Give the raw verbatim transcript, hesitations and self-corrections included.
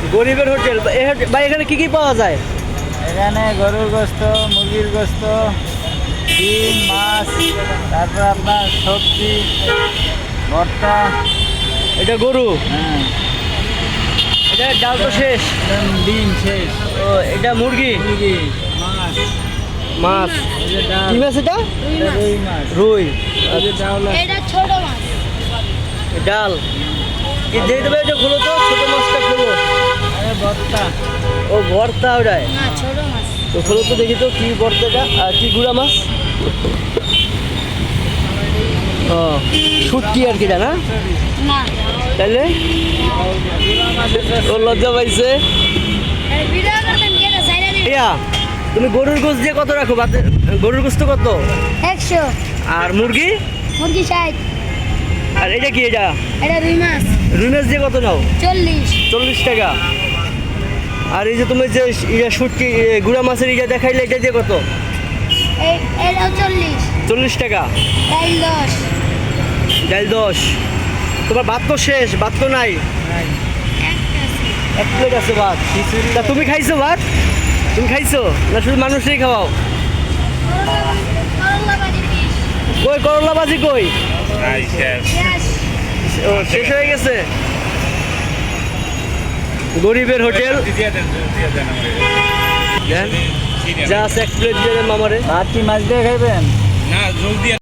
গরিবের হোটেল। ভাই এখানে কি কি পাওয়া যায়? এখানে গরুর গোস্ত, মুরগির গোস্ত, ডিম, মাছ, তারপর আপনার সবজি, ভর্তা। এটা গরু, হ্যাঁ, এটা ডাল তো শেষ। ডিম শেষ। ও এটা মুরগি, মুরগি, মাছ, মাছ। এই যে ডাল, কি মাছ এটা? এটা রুই মাছ, রুই। এই যে ডাল আছে। এটা ছোট মাছ। ডাল কি দিয়ে দেবে? এটা খোলো তো, ছোট মাছটা খোলো। আরে ভর্তা। ও ভর্তা ওটাই না, ছোট মাছ। তো খোলো তো দেখি তো কি ভর্তাটা আর কি গুড়া মাছ। ও শুটকি আর কি না না না, তাইলে ও লজ্জা পাইছে। এই ভিডিও করতেন কি এটা সাইডে দিন। ইয়া তুমি গরুর গোশ দিয়ে কত রাখো? বাতে- গরুর গোস্ত কত? একশো। আর মুরগি? মুরগি ষাট। আর এটা কি? এটা এটা রুই মাছ রুই মাছ দিয়ে কত নাও? চল্লিশ। চল্লিশ টাকা। আর এই যে তুমি যে ইয়া শুটকি এ, গুড়া মাছের ইয়া দেখাইলে এটা দিয়ে কত? এই এটাও চল্লিশ। চল্লিশ টাকা। ডাইল দশ। ডাল দশ। তোমার ভাত তো শেষ, ভাত তো নাই। একটা আছে। এক প্লেট আছে ভাত। তা তুমি খাইছো ভাত? তুমি খাইছো না শুধু মানুষই খাওয়াও? করলা ভাজি পিস। কই করলা ভাজি কই? শেষ। ও শেষ হয়ে গেছে। গরিবের হোটেল দেন, যা আছে এক প্লেট দিয়ে দেন মামারে। ভাত কি মাছ দিয়ে খাইবেন? না জলদি